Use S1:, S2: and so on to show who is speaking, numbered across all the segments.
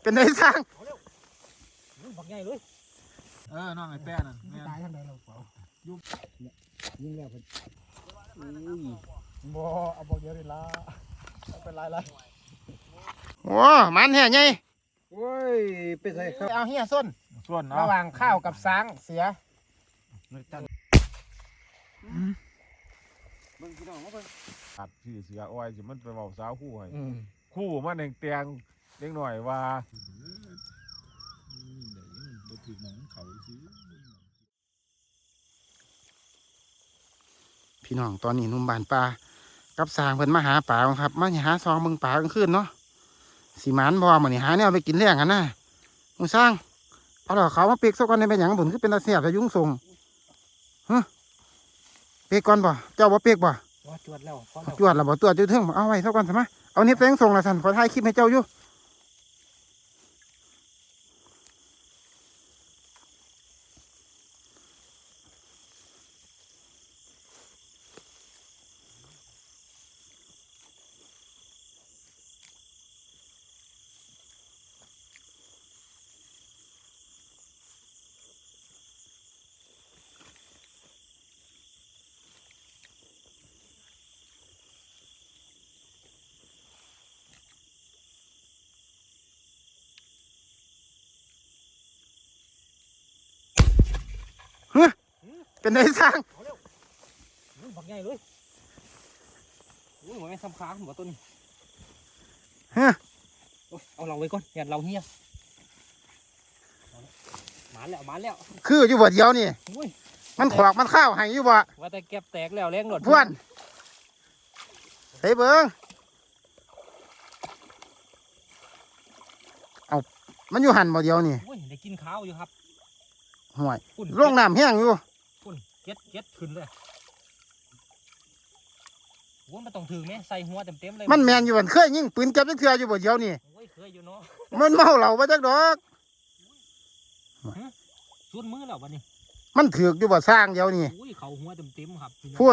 S1: เป็นไงสร้าง
S2: บักใหญ่เลย
S1: น้องไอ้แป้น่ะ
S2: ตายทางใดเราเปล่ายิงแล้วเพิ่นบ่เอาบ่เยอะเลยละเอาเป็นไร
S1: โอ้มันแห่ใหญ่
S2: โอ้ยเป็นไรครับ
S1: เอาเฮียส้น
S2: ระหว่างข้าวกับช้างเสือ
S3: เบิ่งพี่น้องมาเบิ่งตัดชื่อเสืออ้อยสิมันไปเว้าสาวคู่ให้คู่มันแดงเล็กหน่อยว่าบ่ถึงหมองเขาซื้อ
S1: พี่น้องตอนนี้นุ่มบานปลากับสร้างเพิ่นมาหาปลาครับมาหาซองเบิ่งปลากลางคืนเนาะสีมันบ่มื้อนี้หาแนวไปกินแล้งกันนะมึงสร้างเอาดอกเขามาเปีกซะก่อนได้เป็นหยังบุญคือเป็นตาเสียบจะยุ่งส่งเปีกก่อนบ่เจ้าบ่เปีกบ่
S2: จวดแล้ว
S1: จวดแล้วบ่ตัวจเทิงเอาไว้ซะก่อนซะมาเอานี่แป้งส่งละสั่นขอถ่ายคลิปให้เจ้าอยู่เป็นไงสร้าง
S2: บักใหญ่เลยมันไม่ทำค้างหัวต้นเอาเราไว้ก่อนอย่าเราเฮียมาแล้ว
S1: คืออยู่บ่เดียวนี่มันขอกมันข้าวให้อยู่บ่
S2: ว่าแต่เก็บแตกแล้วแรงหลด
S1: พวนเฮ้ยเบิ้งเอามันอยู่หันบ่เดียวนี่
S2: ได้กินข้าวอยู่ครับ
S1: ห่วยร่องน้ำแห้งอยู่
S2: เก็ดขึ้นเลยว่ามันต้องถือไหมใส่หัวเต็มเลย
S1: มันแมนอยู่มันเคยยิงปืนเก็บจักเทื่ออยู่บ่เดียวนี่
S2: เคยอยู่เนาะ
S1: มันเมาเหล้าบ่จักดอก
S2: สุดมือแล้ววันนี้
S1: มันถือกอยู่บ่สร้างเดียวนี่
S2: เขาหัวเต็มครับ
S1: พุ่น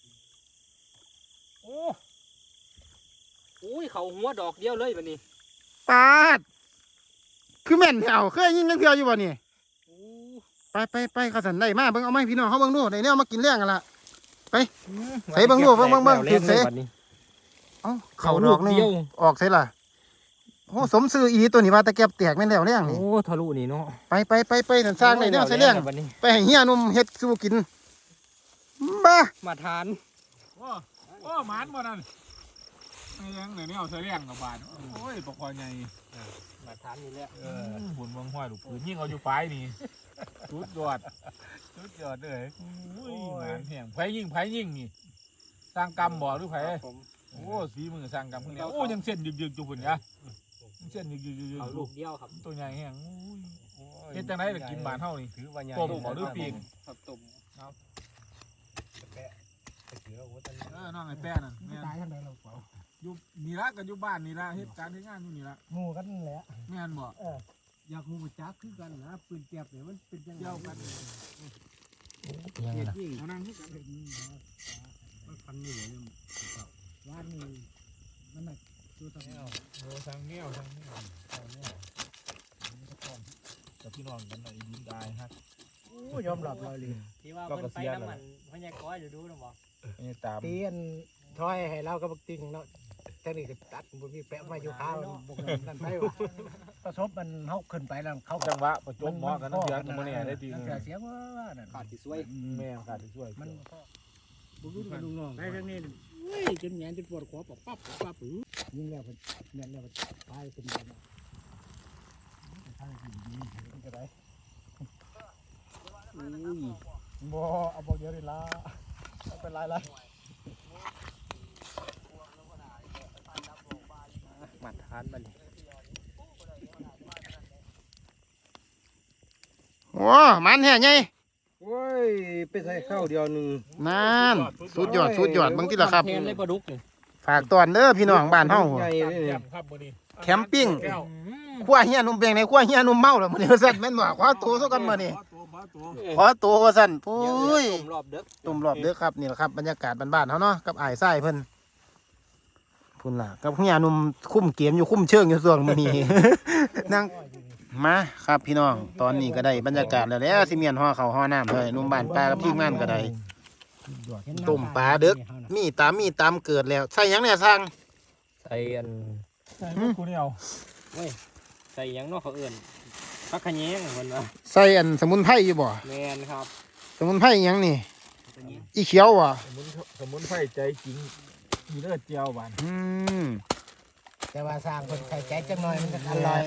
S2: โอ้เขาหัวดอกเดียวเลยวันนี้
S1: ปาดคือแม่นเอาเคยยิงจักเทื่ออยู่บ่นี่ไปเขาสั่นได้มาเบิ่งเอาไหมพี่น้องเขาเบิ่งดูในเนี่ยมากินเลี้ยงกันละไปใส่เบิ่งดูเบิ่งถือใส่เขาดอกนึงออกใส่ละโอ้สมซื้ออีตัวนี้ว่าตะเกียบแตกแม่นแล้วเลี้ยงนี่
S2: โอ้ทะลุนี่เนาะ
S1: ไปนั่นสร้างในเนี่ยใส่เลี้ยงไปให้เฮียนุ่มเฮ็ดสู้กินบ้า
S2: มาทาน
S3: โอ้หมานบ่นั่นยังไหนเนี่ยเอาใส่เลี้ยงกับบานโอ้ยปกคอใหญ่
S2: มาทานนี่แหละ
S3: บุญเมืองห้อยลูกปืนยิ่งเอาอยู่ปลายนี่สุดยอดเลยหมานแห้งไผยิ่งนี่สร้างกรรมบ่หรือไผโอ้สีมือสร้างกรรมพวกนี้โอ้ยังเส้นยึกจุบุญนะเส้นยึก
S2: เอาลูกเดียวครับ
S3: ตัวใหญ่แห้งเฮ็ดจังได๋กินบานเฮานี่ต้มบ่หรือปิ้ง
S2: ต้ม
S3: น้องไอ้แป้น่ะ
S2: ตายทางใดเราเปล่า
S3: อยู่นี่ละก็อยู่บ้านนี่ละเฮ็ดการเฮ็ดงานอยู่นี่ละ
S2: หมู่กันแหละ
S3: แม่นบ่
S2: อยากรู้จักคือกันนะปืนแก๊ปเนี่ยมันเป็นยังไง
S3: เดียวกัน
S2: เอานั่งคือกันมันพันนี่เลยว่านนี่มันหนักตัวตะแนว
S3: ทางแนวกับพี่น้องกันหน่อยยิ้มได้ฮะ
S2: ยอมรับเลยที่ว่าเพิ่นไปน้ำมันพญาก้อยดูนะบอกเตียนถอยให้เราก็บักติงเนาะจังนี่ก็ตัดบ่มีแปะมาอยู่ข้าวบ่นั่นไปประสบมันเฮาขึ้นไปแล้วเขา
S3: จังหวะประจบหมอกันนั่นเสียงบ่แน่ได้ดี
S2: เสียงว่านั่น
S3: ขาดสิช่วยแม่ขาดสิช่วย
S2: มันบ่รู้กันน้องได้ทางนี้จนแหนจนปวดคอปั๊บยิงแล้วเพิ่นแม่นแล้วตายเป็นแบบนั้นทางที่ดีมันก็ได้บ่เอาบ่เยอะเลยละเอาเป็นไรมาทานบัดนี้
S1: โอ้มันแห่ใหญ่
S2: โอ้ยไปใส่ข้าวเดียวนึง
S1: นั่นสุดยอดบางทีละครับฝากตอนเด้อพี่น้องบ้านเฮาแคมปิ้งขั้วเฮียนุ่มเปียงในขั้วเฮียนุ่มเมาแล้วมื้อนี้ว่าซั่นแม่นบ่ขอตัวซะกันมื้อนี้ขอตัวว่าซั่นโอ้ยตุ่มรอบเด้อครับนี่แหละครับบรรยากาศบ้านๆเฮาเนาะกับอ้ายทรายเพิ่นผพุ่นล่ะกับเฮียหนุ่มคุ้มเกมอยู่คุ้มเชิงอยู่ส่วนมื้อนี้ นั่งมาครับพี่น้องตอนนี้ก็ได้บรรยากาศแล้วแล้วสิเมียนห่อข้าวห่อน้ำเลยหนุ่มบ้านปลากับทีมงานก็ได้ต้มปลาเด้อมีตามเกิดแล้วใส่หยังเนี่ยสั่ง
S4: ใส่อัน
S3: ใช่กูนี่เอา
S4: ใส่หยังเนอกเขาเอื่นพักขะแยงเพิ่นว่า
S1: ใส่อันสมุนไพรอยู่บ่
S4: แมนครับ
S1: สมุนไพรหยังนี่อีเขียวบ่
S3: สมุนไพรใจจริงมีเลือดเจียวบาน
S1: อืม
S2: แต่ว่าสร้างคนใส่ใจจังหน่อยมันจะอร่อย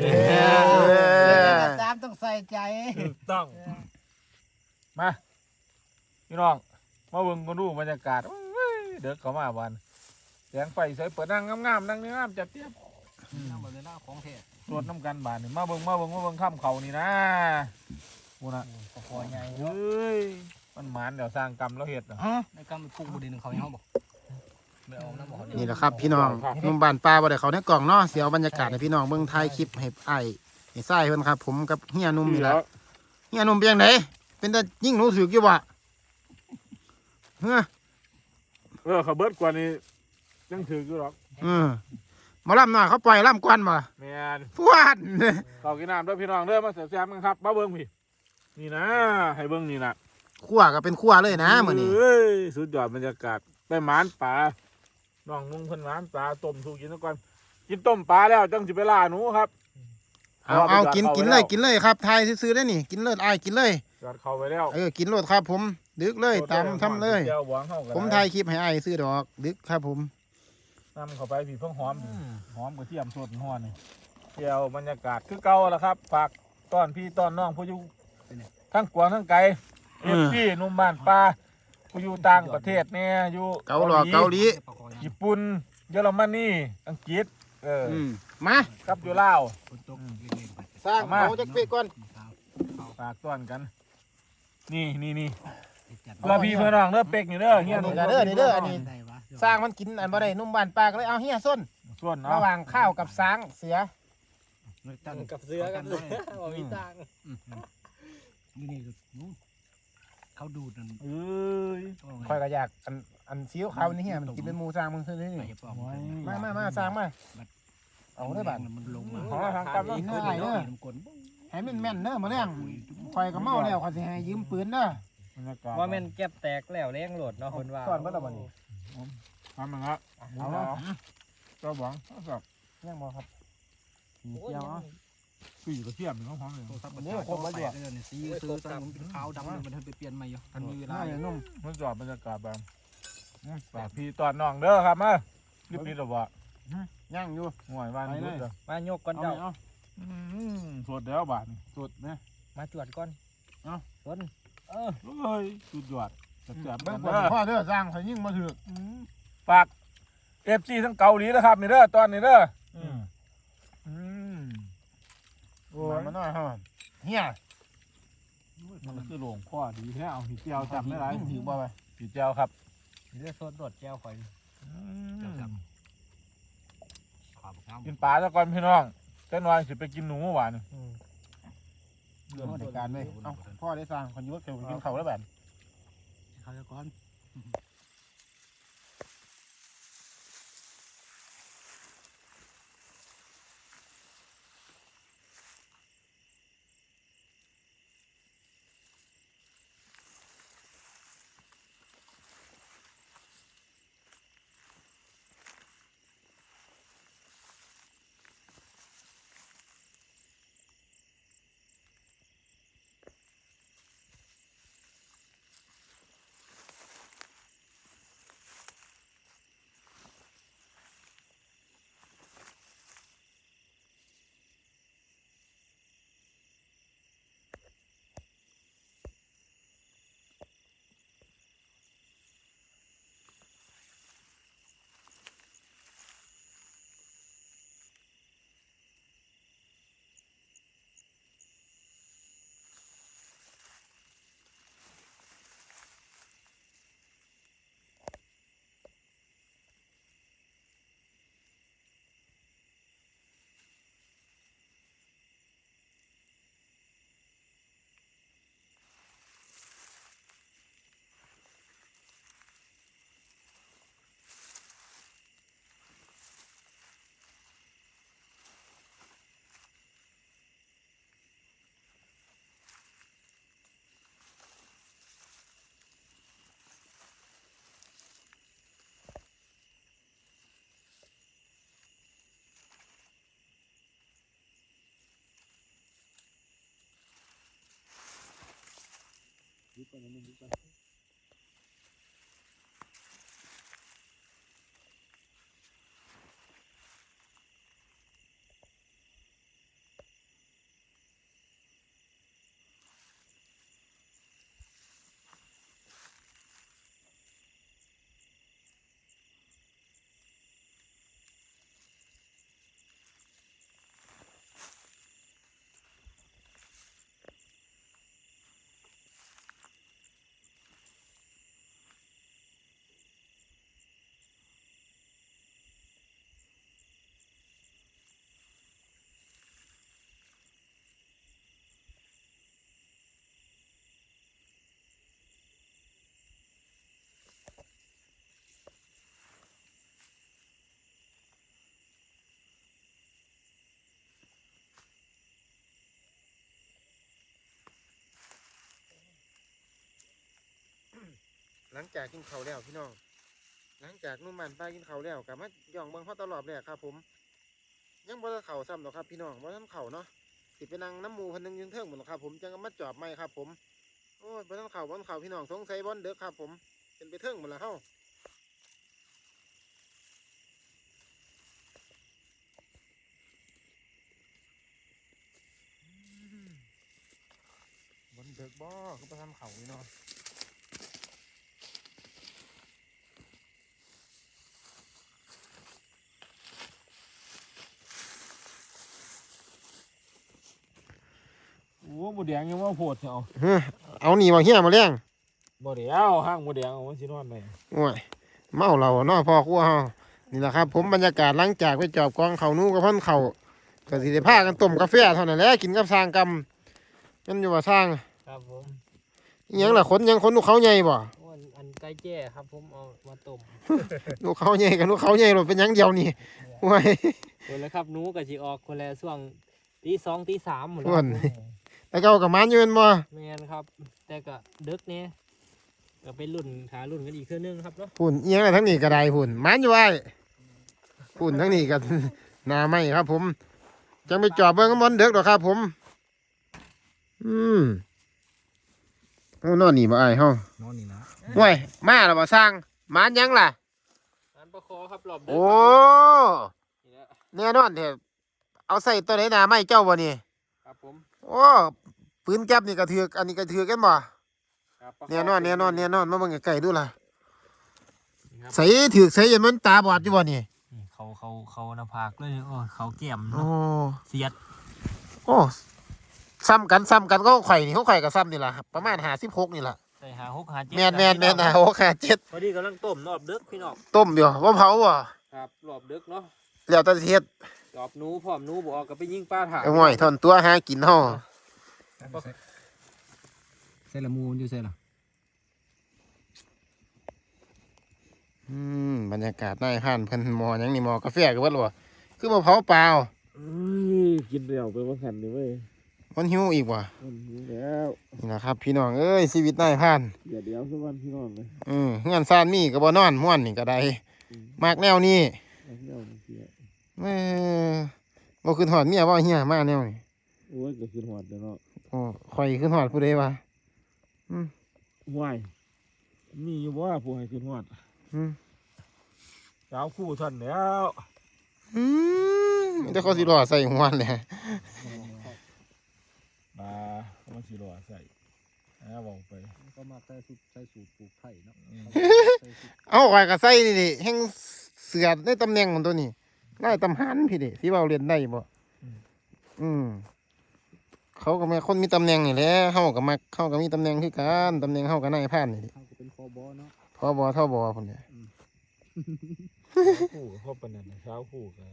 S2: ตามต้องใส่ใจ
S3: ถูกต้องมาพี่น้องมาเบิ่งกันดูบรรยากาศโอ้ยเด็กเข้ามาบ้านแสงไฟใส่เปิดนั่งงามๆนั่งงามจับเทียบ
S2: น้ำมันเลยน้าของแท้
S3: ตรวจน้ำกันบานนี่มาเบิ่งข้ามเขานี่นะกูนะ
S2: คอใหญ่
S3: เฮ้ยมันหมานเดี๋ยวสร้างกรรมแล้วเห็ดน่ะ
S2: ในกำมันพุ่งบุดีหนึ่งเขาให้เขาบอกไม่เอาน้ำบอก
S1: นี่แหละครับพี่น้องหนุ่มบ้านปลาบ่ได้เขาในกล่องเนาะเสียวบรรยากาศให้พี่น้องเบิ่งถ่ายคลิปให้อ้ายให้ทรายเพิ่นครับ ผมกับเฮียหนุ่มนี่แหละเฮียหนุ่มเป็นจังไดเป็นแต่ยิ่งหนูสึกอยู่บ่เฮ้อ
S3: เขาเบิดกว่านี้ยังถืออยู่หรอก
S1: หมาล่ำหน่อยเขาปล่อยล่ำกวนบ่
S3: แม่น
S1: พวด
S3: เขากินน้ำด้วยพี่น้องเด้อมาเสียแซมกันครับมาเบิ่งพี่นี่นะให้เบิ่งนี่นะ
S1: ขั้วก็เป็นขั้วเลยนะมื้อนี้
S3: เอ้ยสุดยอดบรรยากาศไปหมานป่าน้องนุ่งเพิ่นหมานปลาต้มสู่กินซะก่อนกินต้มปลาแล้วจังสิไปล่าหนูครับ
S1: เอากินเลยครับทายซื้อๆได้นี่กินเลยอ้ายกินเลย
S3: จอดเข้าไปแล้ว
S1: กินโลดครับผมดึกเลยตามทำเลย
S3: เจียวหวานเข้ากัน
S1: ผมถ่ายคลิปให้อ้ายซื้อดอกดึกครับผม
S3: นำเข้าไปพี่เพิ่งหอมหอมกระเทียมสดหอมนี่เจียวบรรยากาศคือเก่าแล้วครับฝากต้อนพี่ต้อนน้องผู้อยู่ทั้งกวางทั้งไก่เอฟซีนุ่มบ้านปลาผู้อยู่ต่างประเทศเนี่ยอยู่
S1: เกาหลี
S3: ญี่ปุ่นเยอรมนีอังกฤษ
S1: มา
S3: กับอยู่ลาว
S2: คนตกเล่นๆไป
S1: สร้างเอาจักเป๊กก่อน
S3: ฝากต้อนกัน นี่เพื่อพี่เพื่อน้องเด้อเป็กนี่เด้อเฮีย
S1: นี่เด้ออันนี้สร้างมันกินอันบ่ได้นุ่มบ้านปลาก็เลยเอาเฮียส้น
S3: ส่วน
S1: ระ
S3: เนาะ
S1: หว่างข้าวกับสางเสือ
S4: กับเสือกันเลยบ่มีตังค์
S2: นี่เขาดูดนั่น
S3: เอ้ย
S1: คอยก็อยากอันซีอิ๊วขาวนี่เฮียมันกินเป็นหมูสร้างมึงซื้อนี่
S2: ไปปอก
S1: มาสร้างมาเอาได้บัด
S2: มันลงมา
S3: ขอทางกำลัง
S1: ง่ายเด้อ
S2: กล
S1: ให้มันแม่นเด้อมื้อแรงคอยก็เมาแล้วขอยสิให้ยืมปืนเด้อบ
S3: รรยากาศ
S4: ว่าแม่นแก็บแตกแล้วแรงโหลดเนาะเพิ่นว่า
S1: สอนบ่ล่ะบัดนี้
S3: ทำมันละเอาก็หวังครับ
S1: ยังบ่ครับ
S4: โอ้ย
S1: เกี่ยวเอา
S3: คืออยู่กระเทียมนี่เขาหอมเลย
S2: สีซื้อตอนเป็นขาวดำมันทันไปเปลี่ยนใหม่อยู่ทันมีเวลา
S1: นุ่ม
S3: มันจอดบรรยากาศแบบฝากพี่ต้อนน้องเด้อครับมารีบๆหรอวะ
S1: ย่างอยู่
S3: ห่วยบ้านนี้เด้อ
S4: มายกก่อนเจ้า
S3: สดแล้วบาท
S1: สุดนะ
S4: มาจวดก่อนต้น
S3: เฮ้ยสุดยอดแซ่บๆ
S1: เบิ่
S3: กั
S1: ง
S3: น
S1: ก่อน
S3: เด้อ
S1: พ่อเด้อสร้างเขายิ่งมาถือ
S3: ฝากเอฟซีทั้งเกาหลีนะครับนี่เด้อตอนนี้เด้อโอ้ย
S1: มาหน่อยฮะเฮีย
S3: มันคือหลวงพ่อดีแท้เอาผีเจียวจำได้ไร
S1: ถือบ่ไป
S3: ผีเจียวครับ
S4: เลือดสดโดดแก้วข่อย
S3: กินปลาซะก่อนพี่น้องเจ้าน้อยสิไปกินหนูหวาน
S1: เรื่องในการเลยเอ้าพ่อได้สร้างคนยุทธเกี่ยวกับกินเขาแล้วแบบ
S2: เขาจะก้อน
S1: หลังจากกินข้าวแล้วพี่น้องหลังจากนุ่มมันป้ากินข้าวแล้วกลับมาย่องเบิ่งเขาตลอดเลยครับผมยังบ่ทันเข่าซ้ำหรอกครับพี่น้องบ่ทันเข่าเนาะสิไปนั่งน้ำหมูพันหนึงยืนเทิงหมดหรอกครับผมจังก็มาจอบไม่ครับผมโอ้ยบ่ทันเข่าบ่ทันเข่าพี่น้องสงสัยบ่อนเด้อครับผมเป็นไปเทิงหมดแล้วเฮาบ่อนเด้อบ่คือบ่ทันเข่านี่เนาะ
S3: โอ้หมูแดงยังว่าโพดเนาะ
S1: เอาหนีมาเฮียมาเลี้ยง
S3: บ่เดียวห้างหมูแดงเอาไว้สินอนไป
S1: โอ้ยเมาเราเนาะพ่อครัวเฮานี่แหละครับผมบรรยากาศหลังจากไปจอบกองเขานู้กับพ่อนเขาก็สิได้พากันต้มกาแฟเท่านั้นแหละกินกับสร้างกำมันอยู่ว่าสร้าง
S4: ครับผม
S1: อิหยังล่ะคนยังคนลูกเขาใหญ่บ่
S4: อันไก่แจ้ครับผมเอามาต้ม
S1: ลูกเขาใหญ่กับลูกเขาใหญ่หมดเป็นหยังเดียวนี่โอ้ย
S4: คนละครับหนูก็สิออกคนละช่วงตี 2ตี 3หมด
S1: ส่วนแล้วก็เอากับมันอยู่เป็นบ่
S4: แม่นครับ แต่ก็ดึกเนี่ยก็เป็นรุ่นขารุ่นกันอีกเทื่อนึงครับเนาะ
S1: พุ่นอิหยังล่ะทั้งนี้ก็ได้พุ่นมันอยู่ไว้พุ่นทั้งนี้ก็หน้าไม้ครับ ผมจังไปจอบเบิ่งกับมันเด็กดอกครับ ผมโอ้นอนนี่บ่อายเฮาน
S3: อนนี่นะ
S1: ห่วยมาแล้วบ่สร้างมันยังล่ะ
S4: งานประคอครับรอบดึก
S1: โอ้
S4: นี่แหละ
S1: แน่นอนเถอะเอาใส่ตัวไหนหนาไม่เจ้าบ่นี่
S4: ครับผม
S1: โอ้ปืนแก๊ปนี่กระเถือกอันนี้กระเถือกกันบ่
S4: ครับประค
S1: แน่นอนมาเบิ่งไกลๆดูล่ะ
S4: นี่ครับ
S1: ใส่ถือกใส่ยันมันตาบอดอยู่บ่นี่
S4: นี่เขาหน้าผากเลยโอ้เขาแก้ม
S1: โอ้
S4: เนาะเสียด
S1: โอ้ซ้ำกันก็ข่อยนี่เขาข่อยกับซ้ำนี่ล่ะประมาณ56นี่ล่ะ
S4: ใส่หา6หา7
S1: แม่นนะโอ้แค่7
S4: พอดีกำลังต้มรอบดึกพี่น้อง
S1: ต้มอยู่บ่เผาบ่
S4: ครับรอบดึกเนาะ
S1: แล้วแต่สิเฮ็ด
S4: รอบหนูพร้อมหนูบ่ออกก็ไปยิงปลาถ่า
S1: เอาห่วยทอนตัวหากินเฮา
S2: ใส่ละมูนอยู่ใส่ละ
S1: บรรยากาศนายผ่านเพิ่นหมอหยังนี่หมอกาแฟก็เบิดบ่คือบ่เผาเปล่า
S3: กินเดี่ยวไปว่าขันดิเว้ย
S1: มันหิวอีกบ่
S3: มันหิวแล้ว
S1: นี่นะครับพี่น้องเอ้ยชีวิตนายผ่าน
S3: เดี๋ยวสักวันพี่น้องเลย
S1: เงินซ่านมีก็บ่นอนม่วนนี่ก็ได้มากแนวนี้
S3: เอาเที่ยวเที่ยว
S1: เออบ่ขึ้นฮอดเมียบ่เฮียมาแนวนี้
S3: โอ้ยก็คือหอดเนาะ
S1: โอ้ข่อยขึ้นฮอดผู้ใดวะ
S3: ห่วยมีอยู่ว่าผู้ให้คือหอด
S1: อืม
S3: สาวคู่ท่านแล้ว
S1: แต่เขาสิรอใส่หัวแหละ
S3: มามันสิรอใส่บอกไป
S2: ก็มาใส่สูตรปลูกไผ่เนาะ
S1: เอาข่อยก็ใส่นี่แห่งเสือในตำแหน่งของตัวนี้นายตำหันพี่ดิสิเว้าเรียนได้บ่เขาก็แม่คนมีตำแหน่งนี่แหละเฮาก็มักเฮาก็มีตำแหน่งคือกันตำแหน่งเฮาก็นายผ่านนี่ดิ
S2: เขาก็เป็นคอบอเนาะ
S1: พบทบพุ่นเนี่ย
S3: คู่พ่อปนันสาวคู่กัน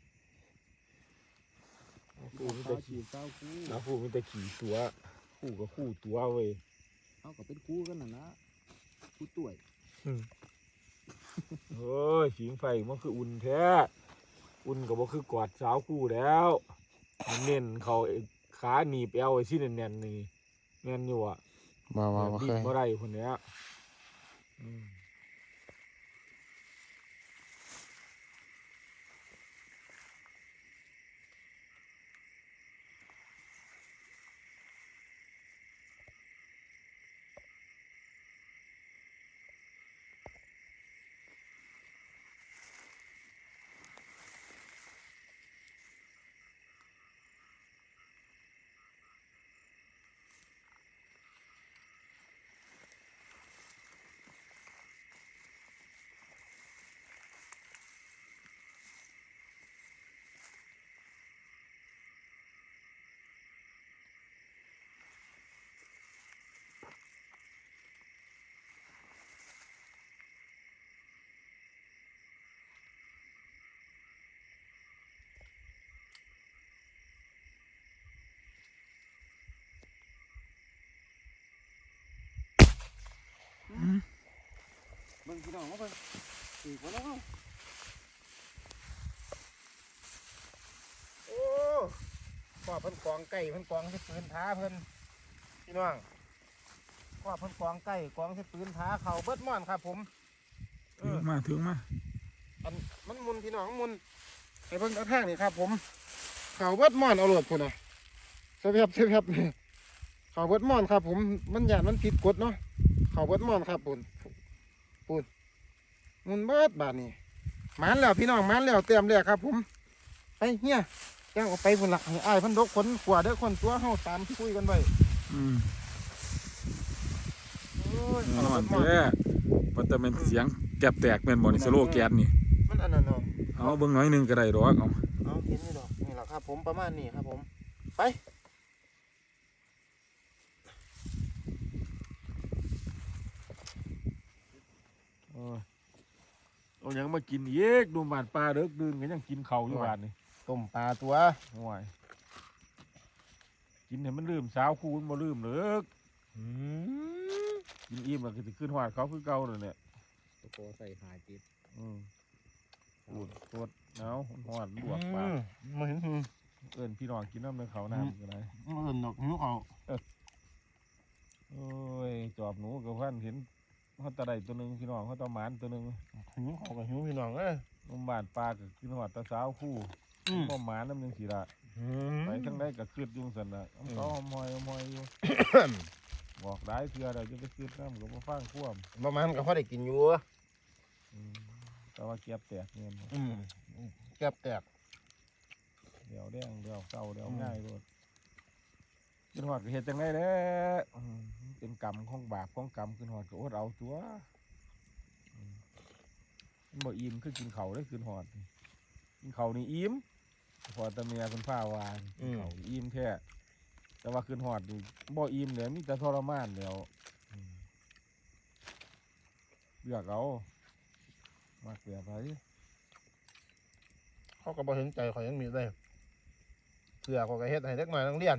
S3: คู่มี
S2: เ
S3: แต่ขี่
S2: เจ้าคู่
S3: สาวคู่มีแต่ขี่ตัวคู่กับคู่ตัวเว้ย
S2: เขาก็เป็นคู่กันนะคู่ต่วย
S3: เฮ้ยผิงไฟมันคืออุ่นแท้อุ่นกับว่าคือกอดสาวคู่แล้วมันเน้นเขาขาหนีบเอวไอ้ที่แน่นๆนี่แน่นอยู่อ่ะ
S1: บ่เคย
S3: บ่ได้คนเนี้ย
S1: พี่น้องมาเบิ่งอีกบ่แล้วโอ้พ่อเพิ่นกองไก่เพิ่นกองที่ปืนท้าเพิ่นพี่น้องพ่อเพิ่นกองไก่กองที่ปืนท้าเขาเบิดม่อนครับผม
S3: ถึงมา
S1: อันมันมุนพี่น้องมุนไอ้เบิ่งเอาทางนี่ครับผมเขาเบิดม่อนเอาโหลดพุ่นน่ะเสียบนี่เขาเบิดม่อนครับผมมันหยาดมันผิดกฎเนาะเขาเบิดม่อนครับปุ่นมุนเบิดบาดนี่หมานแล้วพี่น้องหมานแล้วเตรียมแล้วครับผมไปเฮียย่างออกไปพุ่นละให้อ้ายเพิ่นดกคนขวาเด้อคนตัวเฮาตามที่คุยกันไว้โอ้ยเขา
S3: นอน
S1: เบิดม่อน
S3: แท้ว่าแต่เป็นเสียงแก็บแตกแม่นบ่นี่สโลแกนนี่
S1: มันอันนั้นเนาะ
S3: เอาเบิ่งน้อยนึงก็ได้ดอกเอา
S1: เอาเห็นนี่ดอกนี่แหละครับผมประมาณนี้ครับผมไป
S3: เอาหยังมากินอีกดูบ้านปลาเด้อดื่นก็ยังกินข้าวอยู่บ้านนี่
S1: ต้มปลาตัว
S3: โอ้ยกินให้มันลืมสาวคูณบ่ลืมเด้อกินอิ่มแล้วก็สิขึ้นฮอดเขาคือเก่านั่นแหละ
S2: ตะโกใส่หายติด
S3: ปูดสดหนาวฮอดลวกปาก
S1: มาเห็น
S3: เอิ้นพี่น้องกินน้ำในเขาน้ำก็ได้
S1: เอินดอกหิวเขา
S3: โอ้ยจอบหนูกับพันเห็นเขาตะไดตัวหนึงพี่น้องเขาตะหมานตัวหนึง
S1: หิวเขากับหิวพี่น้อง
S3: นมบ้านปลาก็ขึ้นฮอดตะสาวคู่ก็หมาน้ำหนึงสิละไปทั้งใดก็คืดอยุ่จั่งซั่นน่ะเขาหอมหอยอยู่ บอกได้เทื่อใดจะไปคืดน้ำก็บ่ฟังความ
S1: ประมาณก็พอได้กินอยู่
S3: แต่ว่าเก็บแตกเงิน
S1: แก็บแตก
S3: เดี๋ยวแดงเดี๋ยวเศร้าเดี๋ยวง่ายโลดขึ้นฮอดก็เฮ็ดจังได๋เด้อเป็นกรรมของบาปของกรรมขึ้นฮอดก็อดเอาตัวมันบ่อิ่มคือกินข้าวได้ขึ้นฮอดกินข้าวนี่อิ่มพอแตะเมียเพิ่นพาวากินข้าวอิ่มแท้แต่ว่าขึ้นฮอดนี่บ่อิ่มแล้วมีแต่ทรมานแล้วเลือกเอามากแบบไหน
S1: เขาก็บ่เห็นใจเขายังมีได้เพื่อเขาก็เฮ็ดให้เด็กน้อยนักเรียน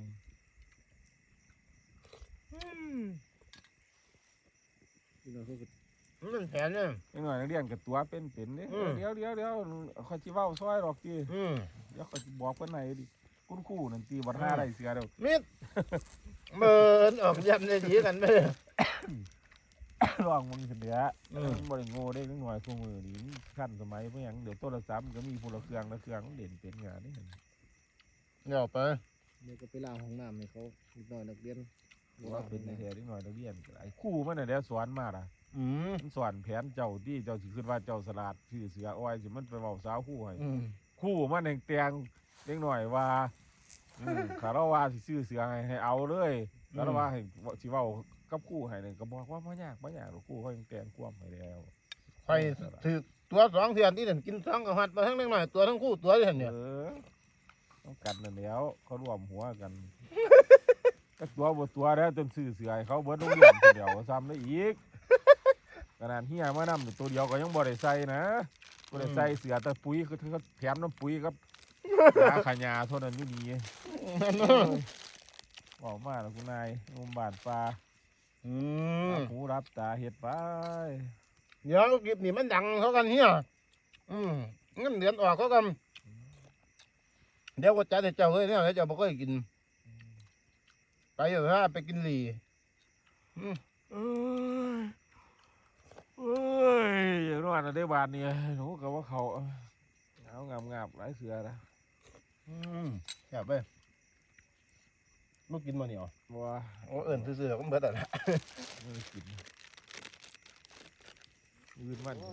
S1: มันเป็นแผนเนี่ย
S3: ไอ้หน่อยนักเรียนกับตัวเป็นเด้เดี๋ยวเขาสิเว้าซอยดอกติเดี๋ยวเขาสิบอกเพิ่นให้ดิคุณครูนั่นตีบ่ท่าได้เสือเด้อ
S1: มิดเบิ่นออกยันได้ดีกันไปเลย
S3: ลองมึงขึ้นเด้อมันบ่ได้โง่ได้นิดหน่อยซุมื้อนี้มันทันสมัยบ่หยังเดี๋ยวโทรศัพท์มันก็มีผู้ละเครื่องมันเด่นเป็นงานนี่
S1: เดี๋ยวไป
S2: เดี๋ยวก็ไปล้างห้องน้ำให้เขานิดหน่อยนักเรียน
S3: ว่าเป็นแท้นิดหน่อยนักเรียนไอ้ครูมันน่ะเดี๋ยวสอนมาล่ะมันสอนแผนเจ้าที่เจ้าสิคิดว่าเจ้าสลาดชื่อเสืออ้อยสิมันไปเว้าสาวครูให้ครูมันแตงเล็กหน่อยว่าคาราวาสิซื้อเสือให้เอาเลยคาราวาให้สิเว้ากับครูให้นี่ก็บอกว่าบ่ยากหรอกครูเขายังแต่งความให้แล้ว
S1: ไปถือตัว2เทื่อนที่เด่นกิน2กับหัดมาทั้งเล็กน้อยตัวทั้งคู่ตัวเด่นเนี่ย
S3: ต้องกันนั่นแล้วเขารวมหัวกันก็ตัวบ่ตัวแล้วจนซื้อเสือให้เขาเบิดโรงเรียนคนเดียวซ้ำได้อีกขนาดเฮียมานำตัวเดียวก็ยังบ่ได้ใส่นะบ่ได้ใส่เสือแต่ปุ๋ยคือเขาแถมน้ำปุ๋ยครับยาขายาเท่านั้นอยู่นี่บอกมาแล้วคุณนายงมบาดปลาหูรับตาเฮ็ดไป
S1: เดี๋ยวคลิปนี้มันดังเขากันเฮียเงินเดือนออกเขากันเดี๋ยวก็จัดให้เจ้าเฮ้ยเนี่ยเจ้าบ่เคยกินไปเถอะฮะไปกินหลี
S3: เอ้ยอย่างนั้นได้บาทนี่หนูกับว่าเขาเอางามหลายเสือนะ
S1: แซ่บไปลูกกินมาเนี่ย
S3: บัว
S1: โอ้เอิญซื่อๆก็เบิดอ่ะนะ
S3: ไม่ได้กินยืนมัน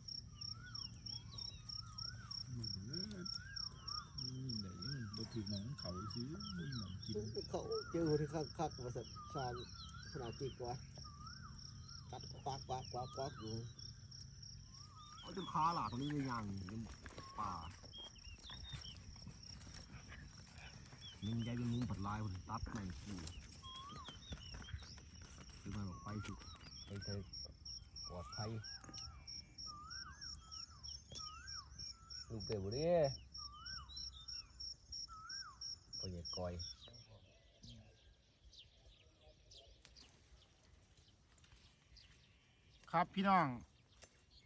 S3: บ่ถือหมองเขาซื้อหมองกิน
S2: เขาเจอที่คักบริษัทชาญขนาดกี่กว่ากัดควักอยู่เอาจนขาหลาตรงนี้เลยยังป่ามึงใจเป็นมึงผัดลายผัดตัดไม่กูคือมันบอกไปสิไปเถอะปลอดภัยลูกเต๋อบุรีไปเหยียดก้อย
S1: ครับพี่น้อง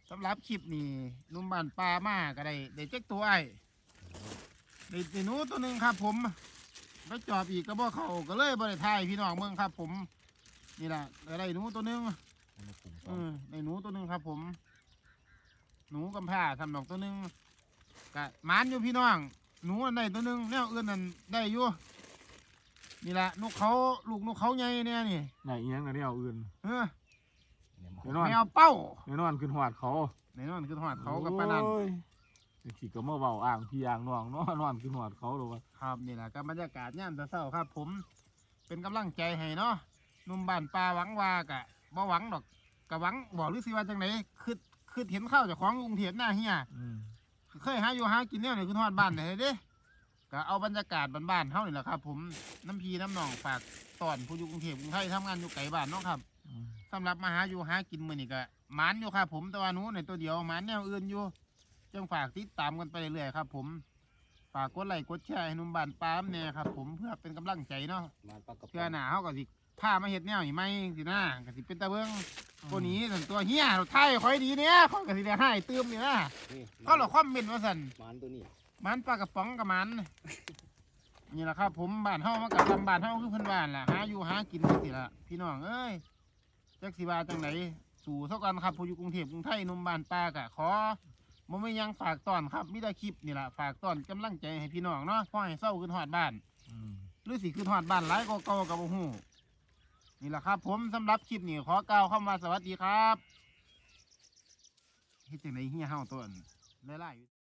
S1: สำหรับคลิปนี้นุ่มบ้านปลามาก็ได้เจ๊กตัวไอ้ได้หนูตัวหนึ่งครับผมไปจอบอีกก็บ่เขาก็เลยบ่ได้ทายพี่น้องเมืองครับผมนี่แหละได้หนูตัวหนึ่งได้หนูตัวหนึ่งครับผมหนูกำพร้าทำดอกตัวหนึ่งกะหมานอยู่พี่น้องหนูอันใดตัวหนึ่งแนวอื่นนั่นได้อยู่นี่แหละนกเขาลูกนกเขาใหญ่เนี่ยนี่
S3: ไหนเอียงนะเนี่ยเอาอื่น
S1: เออ
S3: แน่นอน
S1: แมวเป้า
S3: แน่นอนขึ้นหอดเขา
S1: ในนอนคือหอดเขากับปานนัน
S3: โอ้ยขี่ก็มาเบาอ่างพี่อ่างน้องเนาะนอนขึ้นหอดเขาหรอวะ
S1: ครับนี่แหละกับบรรยากาศย่ามเช้าๆครับ ผมเป็นกำลังใจให้เนาะหนุ่มบ้านป่าหวังว่ากะบ่หวังดอกกะหวังบอกหรือสิว่าจังไหนคือเห็นข้าวจากของกรุงเทพหน้าเฮียเคยหาอยู่หากินเนี่ยนี่คือทอดบ้านไหนเด้ก็เอาบรรยากาศบ้านๆเฮานี่แหละครับ ผมน้ำพีน้ำหนองฝากตอนผู้อยู่กรุงเทพกรุงไทยทำงานอยู่ไกลบ้านเนาะครับสำหรับมาหาอยู่หากินมื้อนี้ก็หมานอยู่ครับผมแต่ว่าหนูในตัวเดียวหมานแนวอื่นอยู่จังฝากติดตามกันไปเรื่อยๆครับ ผมฝากกดไลค์กดแชร์ให้หนุ่มบ้านปามเนี่ยครับผมเพื่อเป็นกำลังใจเนาะเพื่อหนาเขาก็สิผ้ามาเฮ็ดแนวนี่ไหมสินะก็สิเป็นตะเบิ้งตัวนี้ส่วนตัวเฮียเราไทยคอยดีเนี่ยเขาก็สิได้ให้เติมนี่นะเขาเราคอมเมนต์ว่าสั่น
S2: มันตัวนี้
S1: มันปลากระป๋องกับมันนี่แหละครับ ผมบ้านเฮามากับทำบ้านเฮาคือเพิ่นบ้านล่ะหาอยู่หากินจังซี่ล่ะพี่น้องเอ้ยจักสิว่าจังไหนสู่เท่ากันครับผู้อยู่กรุงเทพกรุงไทยหนุ่มบ้านปลากะขอบ่มีหยังฝากตอนครับมีแต่คลิปนี่ล่ะฝากตอนกำลังใจให้พี่น้องเนาะพอให้เศร้าขึ้นฮอดบ้านหรือสิขึ้นฮอดบ้านหลายกว่าเก่าก็บ่ฮู้นี่แหละครับ ผมสำหรับคลิปนี้ขอกล่าวคำว่าสวัสดีครับเฮ็ดจังได๋เฮียเฮาตัวอันหลายๆ